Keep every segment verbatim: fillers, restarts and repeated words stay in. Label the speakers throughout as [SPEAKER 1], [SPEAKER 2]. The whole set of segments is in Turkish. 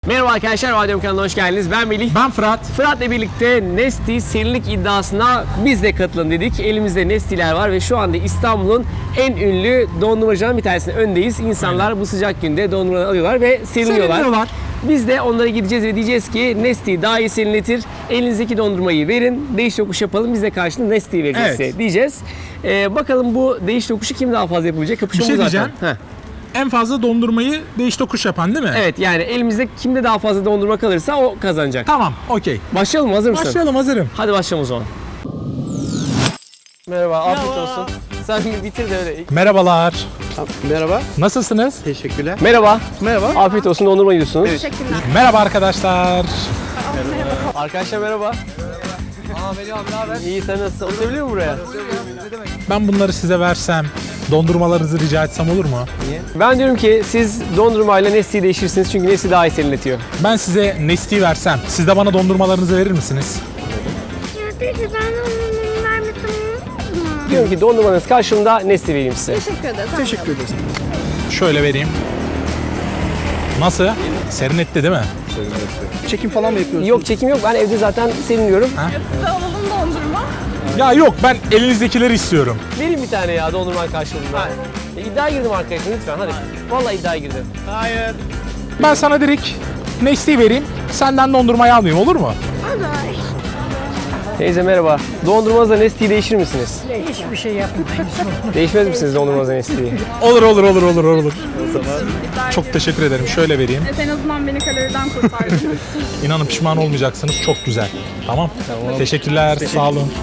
[SPEAKER 1] Merhaba arkadaşlar, Radyom kanalına hoş geldiniz. Ben Melih.
[SPEAKER 2] Ben Fırat.
[SPEAKER 1] Fırat'la birlikte Nesty serinlik iddiasına biz de katılın dedik. Elimizde Nesty'ler var ve şu anda İstanbul'un en ünlü dondurmacılarından bir tanesinin öndeyiz. İnsanlar Aynen. bu sıcak günde dondurmaları alıyorlar ve serinliyorlar.
[SPEAKER 2] Serinliyorlar.
[SPEAKER 1] Biz de onlara gideceğiz ve diyeceğiz ki Nesty daha iyi serinletir. Elinizdeki dondurmayı verin, değiş tokuş yapalım. Biz de karşılığında Nesty'yi vereceğiz
[SPEAKER 2] Evet.
[SPEAKER 1] size diyeceğiz. Ee, bakalım bu değiş tokuşu kim daha fazla yapabilecek?
[SPEAKER 2] Bir
[SPEAKER 1] Kapışmamız
[SPEAKER 2] şey
[SPEAKER 1] zaten.
[SPEAKER 2] diyeceğim.
[SPEAKER 1] Heh.
[SPEAKER 2] En fazla dondurmayı değiş tokuş yapan değil mi?
[SPEAKER 1] Evet, yani elimizde kimde daha fazla dondurma kalırsa o kazanacak.
[SPEAKER 2] Tamam, okey.
[SPEAKER 1] Başlayalım mı? Hazır mısın?
[SPEAKER 2] Başlayalım, hazırım.
[SPEAKER 1] Hadi başlayalım o zaman. Merhaba, afiyet olsun. Sen bir bitir de öyle.
[SPEAKER 2] Merhabalar.
[SPEAKER 3] Merhaba.
[SPEAKER 2] Nasılsınız?
[SPEAKER 3] Teşekkürler.
[SPEAKER 1] Merhaba.
[SPEAKER 3] Merhaba.
[SPEAKER 1] Afiyet olsun, dondurma yiyorsunuz.
[SPEAKER 4] Teşekkürler.
[SPEAKER 2] Merhaba arkadaşlar.
[SPEAKER 1] Arkadaşlar merhaba. Aa Melih abi, ne haber? İyi, sen nasılsın? Oturabiliyor musun buraya?
[SPEAKER 2] Ben bunları size versem, dondurmalarınızı rica etsem olur mu?
[SPEAKER 1] Ben diyorum ki siz dondurmayla Nesty'yi değişirsiniz çünkü Nesty daha iyi serinletiyor.
[SPEAKER 2] Ben size Nesty'yi versem, siz de bana dondurmalarınızı verir misiniz?
[SPEAKER 4] Ya peki ben onun vermesem olmaz mı?
[SPEAKER 1] Diyorum ki dondurmanız karşılığında Nesty vereyim size.
[SPEAKER 4] Teşekkür ederiz.
[SPEAKER 3] Teşekkür ederiz.
[SPEAKER 2] Şöyle vereyim. Nasıl? Serinletti değil mi?
[SPEAKER 3] Çekim falan mı yapıyorsunuz?
[SPEAKER 1] Yok, çekim yok. Ben evde zaten serinliyorum.
[SPEAKER 4] Size alalım dondurma.
[SPEAKER 2] Ya yok, ben elinizdekileri istiyorum.
[SPEAKER 1] Vereyim bir tane ya dondurma karşılığında. E, iddiaya girdim arkadaşlar lütfen hadi. Vallahi iddiaya girdim.
[SPEAKER 3] Hayır.
[SPEAKER 2] Ben sana direkt Nesty'yi vereyim, senden dondurmayı almayayım, olur mu?
[SPEAKER 4] Olur.
[SPEAKER 1] Teyze merhaba. Dondurmanızla Nesty'yi değişir misiniz?
[SPEAKER 5] Hiçbir şey yapmayız.
[SPEAKER 1] Değişmez misiniz dondurmanızla Nesty'yi?
[SPEAKER 2] Olur, olur, olur, olur, olur. Çok teşekkür ederim. Şöyle vereyim.
[SPEAKER 4] En azından beni kaloriden kurtardınız.
[SPEAKER 2] İnanın pişman olmayacaksınız. Çok güzel. Tamam. Teşekkürler. Sağ olun.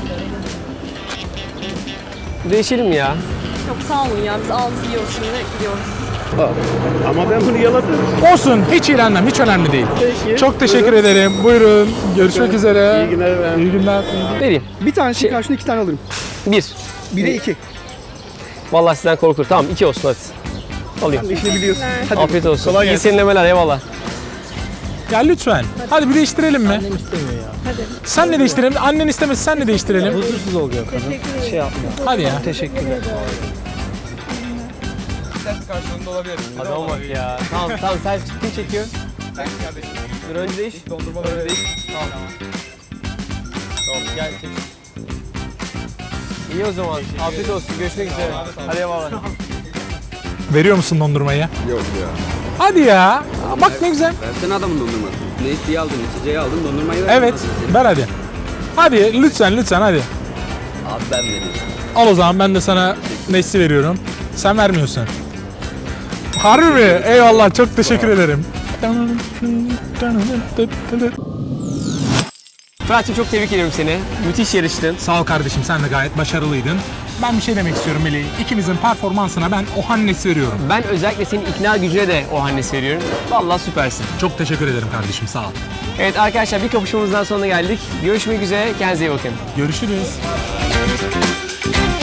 [SPEAKER 1] Değişelim ya.
[SPEAKER 4] Çok sağ olun ya. Biz aldık yiyoruz şimdi gidiyoruz.
[SPEAKER 3] Ama ben bunu yaladım.
[SPEAKER 2] Olsun. Hiç iğrenmem. Hiç önemli değil.
[SPEAKER 3] Peki.
[SPEAKER 2] Çok teşekkür ederim. Buyurun. Görüşmek üzere.
[SPEAKER 3] İyi günler efendim.
[SPEAKER 2] İyi günler.
[SPEAKER 1] Vereyim.
[SPEAKER 3] Bir tanesi
[SPEAKER 1] Şey-
[SPEAKER 3] karşına iki tane alırım.
[SPEAKER 1] Bir.
[SPEAKER 3] Bire iki.
[SPEAKER 1] Vallahi sizden korkulur. Tamam iki olsun hadi. Alayım.
[SPEAKER 3] İşini biliyorsun. Hadi.
[SPEAKER 1] Afiyet olsun.
[SPEAKER 3] Kolay
[SPEAKER 1] İyi
[SPEAKER 3] gelsin.
[SPEAKER 1] serinlemeler eyvallah.
[SPEAKER 2] Ya lütfen. Hadi bir değiştirelim mi? Annem istemiyor ya. Hadi. Sen ne değiştirelim? Annen istemesi sen ne değiştirelim?
[SPEAKER 3] Huzursuz oluyor kadın. Şey yapma.
[SPEAKER 2] Hadi ya.
[SPEAKER 3] Teşekkürler.
[SPEAKER 1] Adama bak ya. Tamam tamam sen kim çekiyor? Ben kardeşim. Dur önce değiş. Dondurma önce değiş. Tamam. Tamam gel çek. İyi o zaman. Afiyet olsun. Görüşmek üzere. Hadi eyvallah.
[SPEAKER 2] Veriyor musun dondurmayı?
[SPEAKER 6] Yok ya.
[SPEAKER 2] Hadi ya. Bak ne güzel.
[SPEAKER 6] Versene adamın dondurmasını. Ne isteği aldın, içeceği aldın, dondurmayı ver.
[SPEAKER 2] Evet. Ver hadi. Hadi lütfen lütfen hadi.
[SPEAKER 6] Abi ben vereyim.
[SPEAKER 2] Al o zaman ben de sana Nesty veriyorum. Sen vermiyorsun. Harbi mi? Eyvallah çok teşekkür ederim.
[SPEAKER 1] Fırat'cığım çok tebrik ediyorum seni. Müthiş yarıştın.
[SPEAKER 2] Sağ ol kardeşim, sen de gayet başarılıydın. Ben bir şey demek istiyorum Melih. İkimizin performansına ben o Hannes'i veriyorum.
[SPEAKER 1] Ben özellikle senin ikna gücüne de o Hannes veriyorum. Vallahi süpersin.
[SPEAKER 2] Çok teşekkür ederim kardeşim, sağ ol.
[SPEAKER 1] Evet arkadaşlar bir kapışmamızdan sonuna geldik. Görüşmek üzere. Kendinize iyi bakın.
[SPEAKER 2] Görüşürüz.